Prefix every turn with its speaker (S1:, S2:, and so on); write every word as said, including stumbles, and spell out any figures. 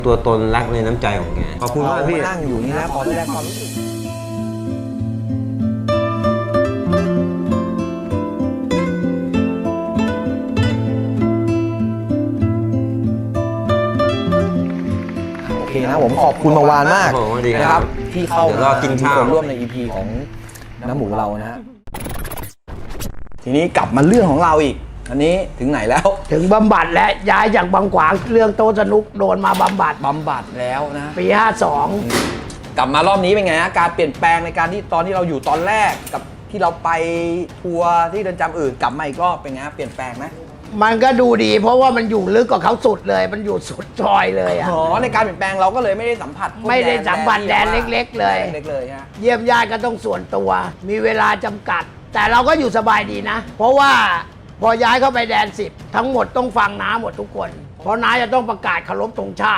S1: ตัวตนรักในน้ำใจของแกขอบคุณมากพี่
S2: นั่งอยู่นี่นะพอได้แรงความรู้สึกโอเคนะผมขอบคุณมาวานมาก
S1: ครับผมสวัสดีครับ
S2: นะครับที่เข้า
S1: เดี๋ยวรอกินข้าว
S2: มีส่วนร่วมใน อี พี ของน้ำหมูเรานะฮะทีนี้กลับมาเรื่องของเราอีก อันนี้ถึงไหนแล้ว
S3: ถึงบำบัดและย้ายจากบางขวางเรื่องโต๊ะสนุกโดนมาบำบัด
S2: บำบัดแล้วนะ
S3: ปีห้าสอง
S2: กลับมารอบนี้เป็นไงฮะการเปลี่ยนแปลงในการที่ตอนที่เราอยู่ตอนแรกกับที่เราไปทัวร์ที่เรือนจำอื่นกลับมาอีกรอบเป็นไงฮะเปลี่ยนแปลงไหม
S3: มันก็ดูดี เพราะว่ามันอยู่ลึกกว่าเขาสุดเลย มันอยู่สุดซอยเลยอ่ะ
S2: อ๋อในการเปลี่ยนแปลงเราก็เลยไม่ได้สัมผัสพวก
S3: ไม่ได้สัมผัสแดน
S2: ที่
S3: เล็กๆเลย
S2: แดนเล็กๆเลยฮะ
S3: เยี่ยมญาติก็ต้องส่วนตัว มีเวลาจำกัด แต่เราก็อยู่สบายดีนะ เพราะว่าพอย้ายเข้าไปแดนสิบทั้งหมดต้องฟังน้าหมดทุกคน เพราะน้าจะต้องประกาศเคารพธงชาติ